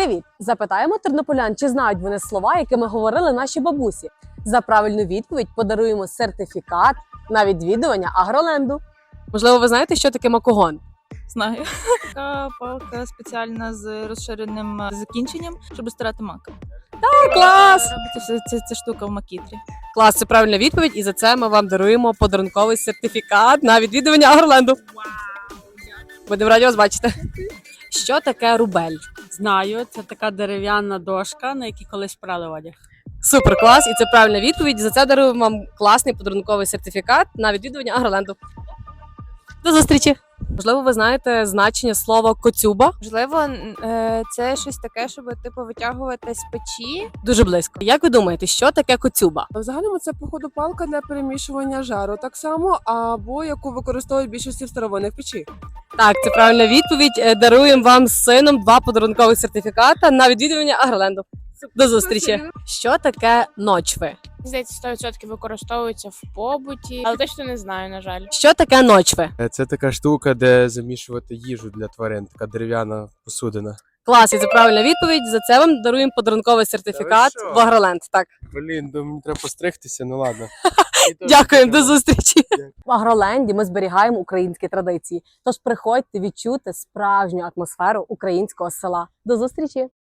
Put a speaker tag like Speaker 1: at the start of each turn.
Speaker 1: Привіт! Запитаємо тернополян, чи знають вони слова, якими говорили наші бабусі. За правильну відповідь подаруємо сертифікат на відвідування Агроленду. Можливо, ви знаєте, що таке макогон?
Speaker 2: Знаю. Така палка спеціальна з розширеним закінченням, щоб стирати мак.
Speaker 1: Клас!
Speaker 2: Робиться ця штука в макітрі.
Speaker 1: Клас, це правильна відповідь, і за це ми вам даруємо подарунковий сертифікат на відвідування Агроленду. Будемо раді вас бачити. Що таке рубель?
Speaker 3: Знаю, це така дерев'яна дошка, на якій колись прали одяг.
Speaker 1: Супер клас, і це правильна відповідь. За це даруємо вам класний подарунковий сертифікат на відвідування Агроленду. До зустрічі! Можливо, ви знаєте значення слова коцюба?
Speaker 4: Можливо, це щось таке, щоб типу витягувати з печі.
Speaker 1: Дуже близько. Як ви думаєте, що таке коцюба?
Speaker 5: В загальному це, походу, палка для перемішування жару так само, або яку використовують більшості в старовинних печі.
Speaker 1: Так, це правильна відповідь. Даруємо вам з сином 2 подарункових сертифіката на відвідування Агроленду. До зустрічі! Що таке ночви?
Speaker 6: Здається, 100% використовується в побуті, але точно не знаю, на жаль.
Speaker 1: Що таке ночви?
Speaker 7: Це така штука, де замішувати їжу для тварин, така дерев'яна посудина.
Speaker 1: Клас, і це правильна відповідь. За це вам даруємо подарунковий сертифікат
Speaker 7: що?
Speaker 1: в Агроленд. Так.
Speaker 7: Блін, мені треба постригтися, ну ладно.
Speaker 1: Дякуємо, до зустрічі. В Агроленді ми зберігаємо українські традиції. Тож приходьте відчути справжню атмосферу українського села. До зустрічі!